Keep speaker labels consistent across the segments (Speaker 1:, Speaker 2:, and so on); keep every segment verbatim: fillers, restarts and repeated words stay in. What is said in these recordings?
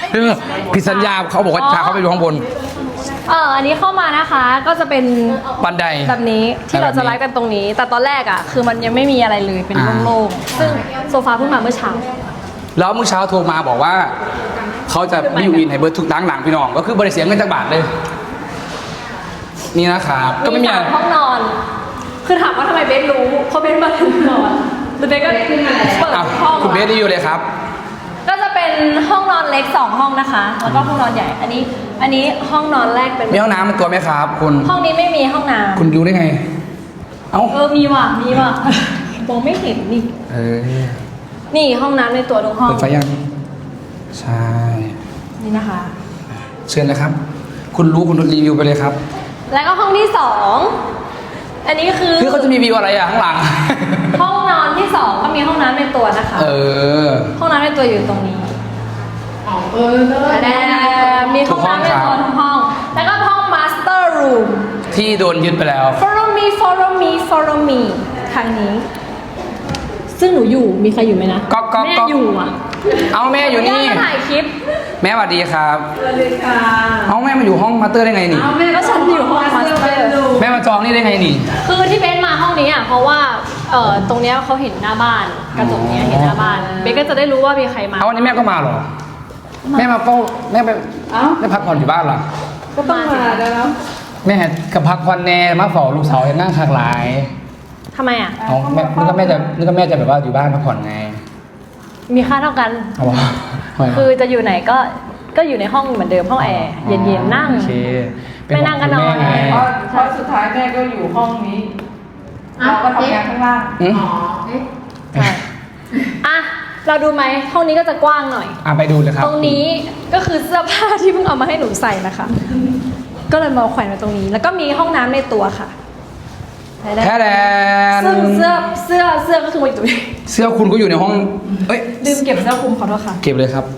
Speaker 1: ผิดสัญญาเขาบอกว่าพาเขาไปดูข้างบน
Speaker 2: เอออันนี้เข้ามานะคะก็จะเป็น
Speaker 1: บันได
Speaker 2: แบบนี้ที่เราจะไลฟ์กันตรงนี้ แต่ตอนแรกอ่ะคือมันยังไม่มีอะไรเลยเป็นโล่งๆซึ่งโซฟาเพิ่งมาเมื่อเช้า
Speaker 1: แล้วเมื่อเช้าโทรมาบอกว่าเขาจะไม่อยู่อินให้เบิร์ดทุกทั้งหลังพี่น้องก็คือบริเสียเงินจากบาทเลย นี่นะครับก็ไม่มี
Speaker 2: สามห้องนอน คือถามว่าทำไมเบสรู้เพราะเบสมาถึงนอนแล้วเบสก็เปิด
Speaker 1: อ่ะ
Speaker 2: ห้อง
Speaker 1: คุณเบสได้อยู่เลยครับ
Speaker 2: ก็จะเป็นห้องนอนเล็กสองห้องนะคะ แล้วก็ห้องนอนใหญ่ อันนี้ อันนี้ห้องนอนแรกเป็น
Speaker 1: มีห้องน้ำเป็นตัวไหมครับคุณ
Speaker 2: ห้องนี้ไม่มีห้องน้ำ
Speaker 1: คุณรู้ได้ไง เอ้า
Speaker 2: เออมีว่ะมีว่ะมองไม่เห็นนี่
Speaker 1: เออ
Speaker 2: นี่ห้องน้ำในตัวทุกห้อง
Speaker 1: เปิดไฟยังใช่
Speaker 2: นี่นะคะ
Speaker 1: เชิญเลยครับ คุณรู้คุณรีวิวไปเลยครับ
Speaker 2: แล้วก็ห้องที่สองอันนี้คือ
Speaker 1: คือเขาจะมีวิวอะไรอ่ะข้างหลัง
Speaker 2: ห้องนอนที่สองก็มีห้องน้ำในตัวนะคะ
Speaker 1: เออ
Speaker 2: ห้องน้ำในตัวอยู่ตรงนี้
Speaker 3: อ๋อเออเลิศ
Speaker 2: แต่มีห้องน้ำในตัวทุกห้อง แล้วก็ห้อง master room
Speaker 1: ที่โดนยึดไปแล้ว
Speaker 2: follow me follow me follow me ทางนี้ ซึ่งหนูอยู่มีใครอยู่ไหมนะ
Speaker 1: ก๊อกก๊อก
Speaker 2: แม่
Speaker 1: ก๊อก
Speaker 2: อยู่อ่ะ
Speaker 1: เอาแม่อยู่นี่
Speaker 2: แม่มาถ่ายคลิป
Speaker 1: แม่สวัสดีครับ
Speaker 3: สวัสดีค่ะ
Speaker 1: เอาแม่มาอยู่ห้องมาสเตอร์ได้ไงนี่
Speaker 3: เอาแม่
Speaker 2: ก็ฉันอยู่ห้อง master
Speaker 1: แม่มาจองนี่ได้ไงนี่
Speaker 2: คือที่เบสมาห้องนี้อ่ะเพราะว่าเอ่อตรงเนี้ยเขาเห็นหน้าบ้านกระจกเนี้ยเห็นหน้าบ้านเบสก็จะได้รู้ว่ามีใครมา
Speaker 1: เอาวันนี้แม่ก็มาเหรอ แม่มาเฝ้าแม่ไป
Speaker 3: เอ้า
Speaker 1: แม่พักผ่อนอยู่บ้านเหรอ
Speaker 3: ก็ต้องมาแล้ว
Speaker 1: แม่กับพักผ่อนแน่มาเฝ้าลูกสาวเห็นนั่งคากหลาย
Speaker 2: ทำไมอ่ะ
Speaker 1: เอาแม่นึกว่าแม่จะนึกว่าแม่จะแบบว่าอยู่บ้านพักผ่อนไง
Speaker 2: มีค่าเท่ากัน
Speaker 1: เอาวะทำไมวะ
Speaker 2: คือจะอยู่ไหนก็ก็อยู่ในห้องเหมือนเดิมห้องแอร์เย็นๆนั่ง
Speaker 1: โอเคเป็
Speaker 2: ไม่นั่งก็นอน
Speaker 1: ห่วงคุณแม่ไง
Speaker 3: เพราะเพราะสุดท้ายแม่ก็อยู่ห้องนี้เราก็ทำงานข้างล่าง
Speaker 1: อืม
Speaker 3: อ๋อเอ๊ะ
Speaker 2: ใช่อ่ะเราดูไหมห้องนี้ก็จะกว้างหน่อย
Speaker 1: อ่ะไปดูเลยครับ
Speaker 2: ตรงนี้ก็คือเสื้อผ้าที่เพิ่งเอามาให้หนูใส่นะคะ ก็เลยมาแขวนไว้ตรงนี้ แล้วก็มีห้องน้ำในตัวค่ะ
Speaker 1: แค่แดน
Speaker 2: ซึ่งเสื้อเสื้อเสื้อก็คือมาอยู่ตรงนี้
Speaker 1: เสื้อคุณก็อยู่ในห้องเอ้ย
Speaker 2: ลืมเก็บเสื้อคลุมขอโทษค่ะ
Speaker 1: เก็บเลยครับ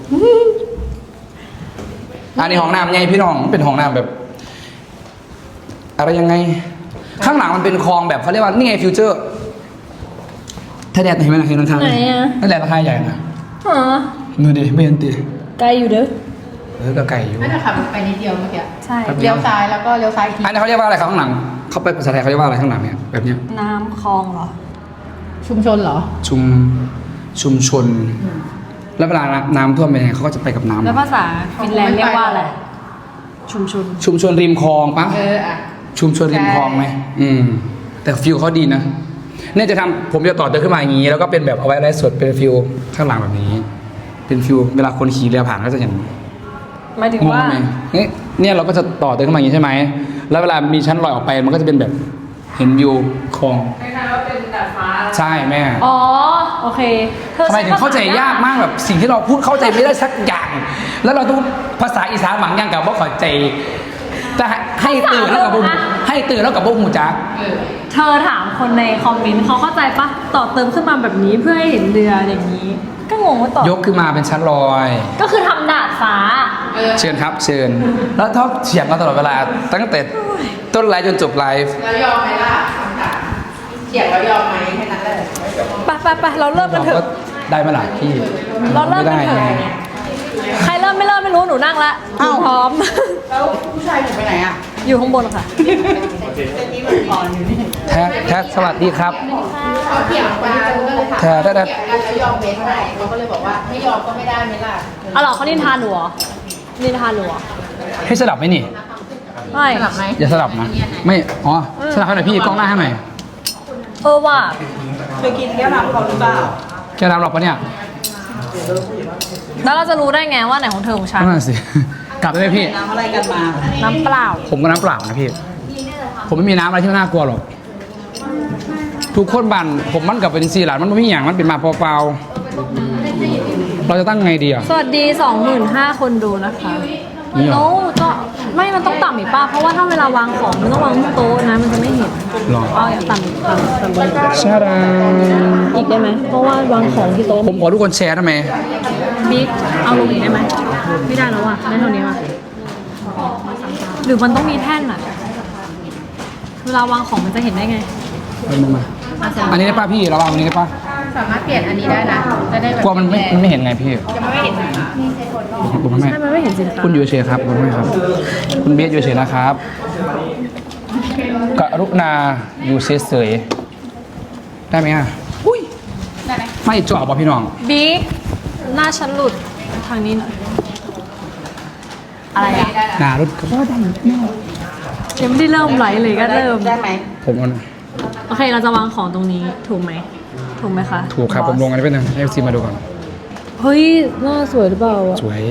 Speaker 1: อันนี้ห้องน้ำไงพี่น้องเป็นห้องน้ำแบบ อะไรยังไง ข้างหลังมันเป็นคลองแบบเขาเรียกว่านี่ไงฟิวเจอร์ถ้าแดดเห็นไหมล่ะเห็นทาง
Speaker 2: ไหนอะ
Speaker 1: นั่นแหละราคาใหญ่นะ
Speaker 2: อ๋อ
Speaker 1: นูดิไม่เห็นตี
Speaker 2: ไกลอยู่เด้อ
Speaker 1: เออก็ไก่อยู่
Speaker 3: ไม่ได้ขับไปนิดเดียวเมื่อกี้
Speaker 2: ใช่
Speaker 1: ครับ
Speaker 3: เลี้ยวซ้ายแล้วก็เลี้ยวซ้ายอีกที
Speaker 1: อันนี้เขาเรียกว่าอะไรครับข้างหลังเขาไปภาษาไทยเขาเรียกว่าอะไรข้างหลังเนี่ยแบบเนี้ย
Speaker 2: น้ำคลองเหรอ
Speaker 3: ชุมชนเหรอ
Speaker 1: ชุมชุมชน แล้วเวลาน้ำท่วมเป็นยังไงเขาก็จะไปกับน้ำ
Speaker 2: แล้วภาษาฟินแลนด์เรียกว่าอะไร ชุมชน
Speaker 1: ชุมชนริมคลองปะ
Speaker 3: เอออ่ะ
Speaker 1: ชุมชนริมคลองไหมอืม แต่ฟิลเขาดีนะเนี่ยจะทำผมจะต่อเติมขึ้นมาอย่างนี้ แล้วก็เป็นแบบเอาไว้ไลฟ์สดเป็นฟิลข้างหลังแบบนี้ เป็นฟิลเวลาคนขี่เรือผ่านก็จะเห็น
Speaker 2: หมายถึง
Speaker 1: งง
Speaker 2: ว่า
Speaker 1: ไหมเนี่ยเนี่ยเราก็จะต่อเติมขึ้นมาอย่างนี้ใช่ไหมแล้วเวลามีชั้นลอยออกไปมันก็จะเป็นแบบเห็นวิวคลอง
Speaker 3: คล้ายๆว่าเป็นดาดฟ้า
Speaker 1: ใช่แม่
Speaker 2: อ๋อ โอเคธอ
Speaker 1: ทำไมถึงเข้าใจยากมากแบบสิ่งที่เราพูดเข้าใจไม่ได้สักอย่าง แล้วเราต้องภาษาอีสานบางอย่างกับว่าเข้าใจ แต่ให้ตื่นแล้วกับบุ้ให้ตื่นแล้วกับบุ้หูจัก
Speaker 3: เออ
Speaker 2: เธอถามคนในคอมเมนต์เขาเข้าใจปะต่อเติมขึ้นมาแบบนี้เพื่อให้เห็นเรืออย่างนี้ ก็งงว่าต่อย
Speaker 1: กขึ้นมาเป็นชั้นลอย
Speaker 2: ก็คือทำดาดฟ้า
Speaker 3: เออ
Speaker 1: เชิญครับ เชิญ แล้วชอบเถียงกันตลอดเวลา ตั้งแต่ต้นไลฟ์จนจบไลฟ์
Speaker 3: แล้วยอมไหมล่ะคำถามเถียงแล้วยอมไหมแค่นั้นแหละ
Speaker 2: ไปไปไปเราเริ่มกันเถ
Speaker 1: ก็
Speaker 2: อะ
Speaker 1: ได้ไหมล่ะพี่
Speaker 2: เราเริ่มกันเถอะ
Speaker 1: ไได้ไง
Speaker 2: ใครเริ่มไม่เริ่มไม่รู้หนูนั่งละหนูพร้อม
Speaker 3: แล้วผู้ชายอยู่ไปไหนอ่ะ
Speaker 2: อยู่ข้างบนค่ะ
Speaker 3: เป็นนี้มันก่อนอยู่นี่
Speaker 1: แท้แท้สวัสดีครับ
Speaker 3: เขาเถียงกันก็เลยถาม
Speaker 1: แท้แท้แท้
Speaker 3: เถียงกันแล้วยอมเว้นไหมเขาก็เลยบอกว่าไม่ยอมก็ไม่ได้ไหมล่ะ
Speaker 2: เอาเหรอเขานินทาหนูเหรอนินทาหนูเหรอ
Speaker 1: ให้สลับไหมนี่
Speaker 2: ไม่
Speaker 3: สลับไหม
Speaker 1: อย่าสลับนะ ไม่ อ๋อ สลับให้หน่อยพี่กล้องหน้าให้หน่อย
Speaker 2: เออว่ะ
Speaker 3: เคยกินแก้วน้ำเขาหรือเปล่า
Speaker 1: แกรับหรอกปะเนี่ย
Speaker 2: แล้วเราจะรู้ได้ไงว่าไหนของเธอของฉัน
Speaker 1: นั่นนะสิ กลับได้ไหมพี่
Speaker 3: น้ำอะไรกันมา
Speaker 2: น้ำเปล่า
Speaker 1: ผมก็น้ำเปล่านะพี่ ผมไม่มีน้ำอะไรที่น่ากลัวหรอก ทุกคนบันผมมันกับเป็นซีหลานมันไม่มีอย่างมันเป็นมาเปล่าๆเราจะตั้งไงดีอ่ะ
Speaker 2: สวัสดี สองหมื่นห้าพัน คนดูนะคะ
Speaker 1: นี่เหรอ
Speaker 2: โน้ก็ไม่มันต้องต่ำอีกป่ะ เพราะว่าถ้าเวลาวางของมันต้องวางบนโต๊ะนะ มันจะไม่เห็น
Speaker 1: หรอ
Speaker 2: เอาอย่างต่ำอีกต่ำต่ำบน
Speaker 1: ชาดา
Speaker 2: อีกได้ไหม เพราะว่าวางของที่โต๊ะ
Speaker 1: ผมขอทุกคนแชร์ได้ไหม
Speaker 2: บิ๊กเอาลงอีกได้ไหม ไม่ได้แล้วอ่ะได้เท่านี้ว่ะหรือมันต้องมีแท่นอ่ะ เวลาวางของมันจะเห็นได้ไง
Speaker 1: เอามา
Speaker 2: อ่ะเสร็จ
Speaker 1: อันนี้ได้ป่ะพี่เราเอาอันนี้ได้ป่ะ
Speaker 2: ไ
Speaker 4: สามารถเปลี่ยนอันนี้ได้นะ จะได้แบบ
Speaker 1: กลัวมันไม่มันไม่เห็นไงพี่
Speaker 4: จะไม่เห็น
Speaker 1: ผมไม่
Speaker 2: ใช่มันไม่เห็นสินค้า
Speaker 1: คุณอยู่เฉยครับคุณไม่ครับ คุณเบสอยู่เฉยนะครับกรุณาอยู่เฉยๆได้ไหมอ่ะ
Speaker 4: ได้ไหม
Speaker 1: ไม่จ่อป่ะพี่น้อง
Speaker 2: บิ๊กหน้าฉันหลุดทางนี้หน่อยอะไรอะ
Speaker 1: หนารถก็ได้
Speaker 2: ยังไม่ได้เริ่มไลฟ์เลยก็เริ่ม
Speaker 3: ได้ไหม
Speaker 1: ผมเอา
Speaker 2: โอเคเราจะวางของตรงนี้ถูกไหมถูกไหมคะ
Speaker 1: ถูกครับผมลงอันนี้เป็นให้ซีมาดูก่อน
Speaker 2: เฮ้ยหน้าสวยหรือเปล่าอะ
Speaker 1: สวย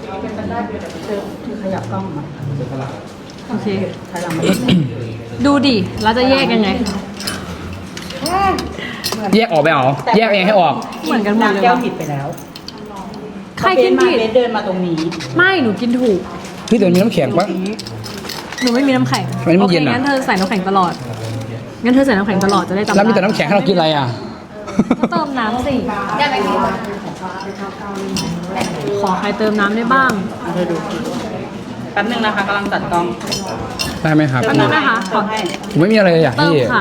Speaker 3: ขยับกล้องมา
Speaker 2: โอเค
Speaker 3: ถอยหลังมา
Speaker 2: ดูดิเราจะแยกยังไง
Speaker 1: แยกออกไปเหรอแยกเองให้ออก
Speaker 2: เหมือนกันหมดเลย
Speaker 3: แก้ว
Speaker 2: วะ
Speaker 3: ผิดไปแล้ว
Speaker 2: ใครกินผิด
Speaker 3: เบสเดินมาตรงนี้
Speaker 2: ไม่หนูกินถูก
Speaker 1: พี่เดี๋ยวมีน้ำแข็งปะ
Speaker 2: หนูไม่มีน้ำแข็ง
Speaker 1: ทำไมมันเย็นอะ
Speaker 2: โอคงั้นเธอใส่น้ำแข็งตลอดงั้นเธอใส่น้ำแข็งตลอดจะได้จำ
Speaker 1: แล้วมีแต่
Speaker 2: ได้
Speaker 1: น้ำแข็งให้เรากินอะไรอ่ะ
Speaker 2: ก็เติมน้ำสิ
Speaker 4: ได้ไหมพี่
Speaker 2: ขอใครเติมน้ำได้บ้าง
Speaker 3: เธอดูแป๊บนึงนะคะกำลังจัดกล้อง
Speaker 1: ได้ไหมครับ
Speaker 2: แป๊บนึงนะคะขอ
Speaker 3: ให้
Speaker 1: ผมไม่มีอะไรเลยอยาก
Speaker 2: เติ
Speaker 1: พี่
Speaker 2: มค่ะ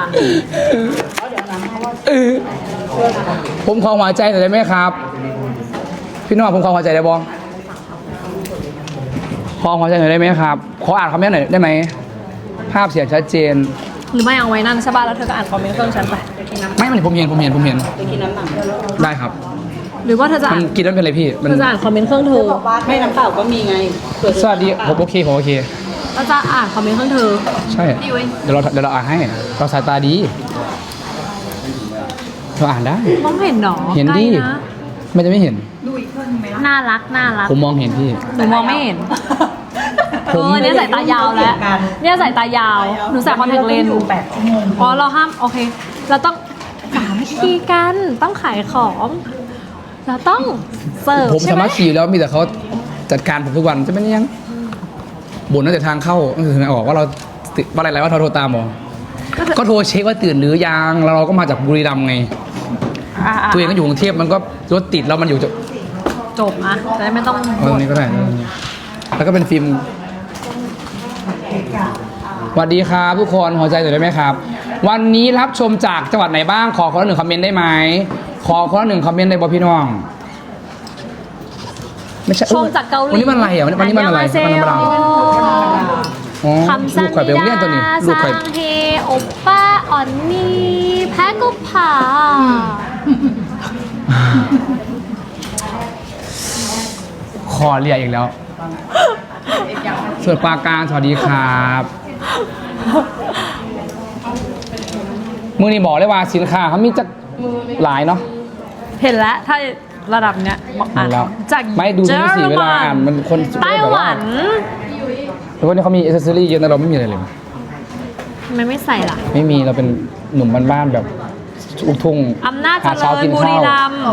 Speaker 1: เออผมขอหัวใจหน่อยได้ไหมครับ พี่น้องผมขอหัวใจได้บ้องขอหัวใจหน่อยได้ไหมครับ ขออ่านคอมเมนต์หน่อยได้ไหม ภาพเสียงชัดเจน
Speaker 2: หรือไม่เอาไว้นั่นใช่ป่ะแล้วเธอก็อ่านคอมเมนต์เครื่องฉันไป
Speaker 1: ไม่มันผมเห็นผมเห็นผมเห็น
Speaker 3: ไปกินน้ำหนัก
Speaker 1: ได้ครับ
Speaker 2: หรือว่าเธอจะ
Speaker 1: มั
Speaker 2: อ่าน
Speaker 1: นกินแล้วเป็นไรพี่ มัน
Speaker 2: เธอจะอ่านคอมเมนต์เครื่องเธอ
Speaker 3: ไม่น้ำเปล่าก็มีไงเผื่อ
Speaker 1: สวัสดีผมโอเคผมโอเค
Speaker 2: เราจะอ่านคอมเมนต์เครื่องเธอ
Speaker 1: ใช่ เดี๋ยวเราเดี๋ยวเราอ่านให้ เราสายตาดี เราอ่านได้
Speaker 2: มองเห็นหรอ
Speaker 1: เห็นดิ
Speaker 2: ใกล้ะ
Speaker 1: ไม่จะไม่เห็น
Speaker 2: น่ารักน่ารัก
Speaker 1: ผมมองเห็นพี่
Speaker 2: หนูมองไม่เห็น
Speaker 1: ผม
Speaker 2: เออเนี่ยสายตายาวแล้ว เนี่ยสายตายาว หนูใส่คอนแทคเลนส์
Speaker 3: แปดชั่วโมง
Speaker 2: อ๋อเราห้ามโอเค เราต้องสามัคคีกันต้องขายของ เราต้องเสิร์ฟ
Speaker 1: ผม
Speaker 2: ใช่
Speaker 1: สา
Speaker 2: ไหม
Speaker 1: มารถขี่แล้วมีแต่เขาจัดการผมทุกวันจะไม่ได้ยังบ่นตั้งแต่ทางเข้าตั้งแต่ทางออกว่าเราติดว่าอะไรๆว่าเราโทรตามหมอก็โทรเช็คว่าตื่นหรือยังแล้วเราก็มาจากบุรีรัมย์ไง
Speaker 2: อ่ะอ่ะ
Speaker 1: ตัวเองก็อยู่กรุงเทพมันก็รถติดแล้วมันอยู่จะ
Speaker 2: จบอ่ะจะได้ไม่ต้อง
Speaker 1: เอาตรงนี้ก็ได้นะแล้วก็เป็นฟิล์มสวัสดีครับทุกคนหัวใจหน่อยได้ไหมครับ วันนี้รับชมจากจังหวัดไหนบ้างขอคนละหนึ่งคอมเมนต์ได้ไหมขอคนละหนึ่งคอมเมนต์ได้บ่พี่น้องไม่ใช่
Speaker 2: ชมจากเกาหลี
Speaker 1: วันนี้มันอะไรอ่ะวันนี้มันอะไร
Speaker 2: เซ
Speaker 1: วันนี้มันอะไรอ๋อ
Speaker 2: คำสั
Speaker 1: ลู
Speaker 2: ญ
Speaker 1: กข่อยไปโรงเรียนตัวนี้
Speaker 2: ญา
Speaker 1: ลูกข่อย
Speaker 2: สังเฮโอป้าอ่อนนี่แพ้กุผา
Speaker 1: คอเรียกอีกแล้วส่วนปราการสวัสดีครับมือนี่บอกเลยว่าสินค้าเขามีจะหลายเนาะ
Speaker 2: เห็นแล้วถ้าระดับเนี้ยบอกอ่าน
Speaker 1: เห็นแล้ว
Speaker 2: จาก
Speaker 1: ไม่ดูที่สีเวลาอ่านมันคน
Speaker 2: ไต้หวัน
Speaker 1: แต่ว่านี่เขามีอิสเซอรี่เยอะแต่เราไม่มีอะไรเลย
Speaker 2: ทำไมไม่ใส่ล่ะ
Speaker 1: ไม่มีเราเป็นหนุ่มบ้านๆแบบลูกทุ่ง
Speaker 2: อำนาจ
Speaker 1: หา
Speaker 2: เจ
Speaker 1: เช้า
Speaker 2: ริญ
Speaker 1: กิน
Speaker 2: บุ
Speaker 1: ข้า
Speaker 2: รี
Speaker 1: ว
Speaker 2: รัมย์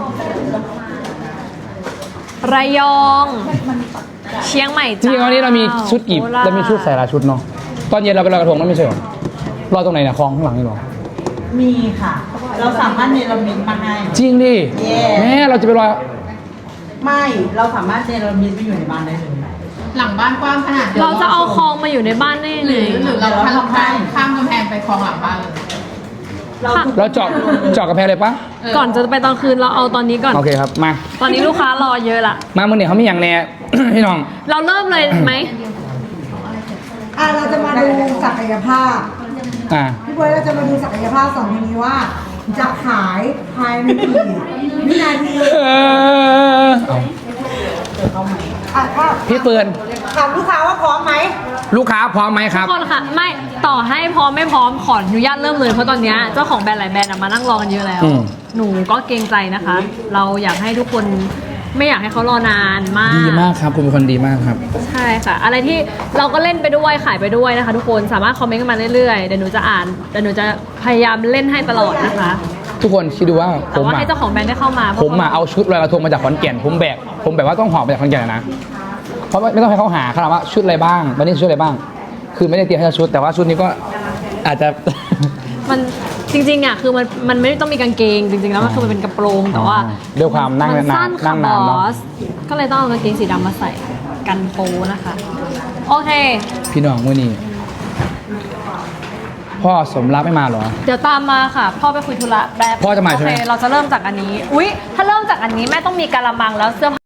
Speaker 2: ระยอง เชียงใหม่
Speaker 1: จริงๆวันนี้เรามีชุดอีบ
Speaker 2: โคราช
Speaker 1: เรามีชุดใส่หลายชุดเนาะตอนเย็นเราไปลอยกระทงนั่นไม่ใช่หรอรอตรงไหนเนี่ยคลองข้างหลังนี่หรอ
Speaker 3: มีค่ะ เราสามารถเนรมิตมาให้
Speaker 1: จริงดิ
Speaker 3: เย้
Speaker 1: แม่เราจะไปลอย
Speaker 3: ไม่ เราสามารถเนรมิตไปอยู่ในบ้านได้เลย
Speaker 4: หลังบ้านกว้างขนาด
Speaker 2: เราจะเอาคลองมาอยู่ในบ้านได้
Speaker 4: ห
Speaker 2: เล
Speaker 4: รือย หรือเราข้ามข้ามข้ามกำแพงไปคลองหลังบ้านเลย
Speaker 3: เรา
Speaker 1: เราเจาะเจาะกระแพงเลยปะ
Speaker 2: ก่อนจะไปตอนคืนเราเอาตอนนี้ก่อน
Speaker 1: โอเคครับมา
Speaker 2: ตอนนี้ลูกค้ารอเยอะละ
Speaker 1: มาเมื่อเนี่ยเขามีอย่างแน่ พี่น้อง
Speaker 2: เราเริ่มเลยไหม
Speaker 5: อ่ะเราจะมาดูศักยภาพ
Speaker 1: อ่า
Speaker 5: พี่บวยเราจะมาดูศักยภาพสองคนนี้ว่า จะขายภายในกี่วินาที
Speaker 1: เออเอา
Speaker 5: อ่ะถ้า
Speaker 1: พี่เปือน
Speaker 5: ถามลูกค้าว่าพร้อมไหม
Speaker 1: ลูกค้าพร้อมไหมค
Speaker 2: ทุ
Speaker 1: รับ
Speaker 2: กคนค่ะไม่ต่อให้พร้อมไม่พร้อมขออนุญาตเริ่มเลยเพราะตอนเนี้ยเจ้าของแบรนด์หลายแบรนด์อะมานั่งรอกันเยอะแล้ว
Speaker 1: อืม
Speaker 2: หนูก็เกรงใจนะคะ เราอยากให้ทุกคนไม่อยากให้เขารอนานมาก
Speaker 1: ดีมากครับคุณเป็นคนดีมากครับ
Speaker 2: ใช่ค่ะ อะไรที่เราก็เล่นไปด้วยขายไปด้วยนะคะ ทุกคนสามารถคอมเมนต์กันมาเรื่อยๆเดี๋ยวหนูจะอ่านเดี๋ยวหนูจะพยายามเล่นให้ตลอดนะคะ
Speaker 1: ทุกคนคิดดูว่าผ
Speaker 2: แต่
Speaker 1: ม
Speaker 2: ว่า
Speaker 1: อ่ะ
Speaker 2: ให้เจ้าของแบรนด์ได้เข้ามาพระ
Speaker 1: ผมอ่ะเอาชุดลอยกระทงมาจากขอนแก่นผมแบกผมแบบว่าต้องหอบมาจากขอนแก่นนะเพราะไม่ต้องให้เขาหาขนาดว่าชุดอะไรบ้างวันนี้ชุดอะไรบ้าง คือไม่ได้เตรียมให้ชุด แต่ว่าชุดนี้ก็อาจจะ
Speaker 2: มันจริงๆอ่ะคือมันมันไม่ต้องมีกางเกง จริงๆแล้วมันคือมันเป็นกระโปรงแต่ว่า
Speaker 1: ด้วยความนั่ง
Speaker 2: มัน
Speaker 1: นา
Speaker 2: สั้
Speaker 1: น
Speaker 2: น
Speaker 1: นั่
Speaker 2: ค่ะ
Speaker 1: ง
Speaker 2: บ
Speaker 1: นาน
Speaker 2: อ
Speaker 1: เนาะ
Speaker 2: สก็เลยต้องเอากางเกงสีดำมาใส่กันโปนะคะ โอเค
Speaker 1: พี่น้องมื่อนี้พ่อสมรักไม่มาเหรอ
Speaker 2: เดี๋ยวตามมาค่ะ พ่อไปคุยธุระแป๊บ
Speaker 1: พ่อจะมาใช่ไหม
Speaker 2: โอเคเราจะเริ่มจากอันนี้ อุ๊ย ถ้าเริ่มจากอันนี้แม่ต้องมีกะละมังแล้วเสื้อผ้า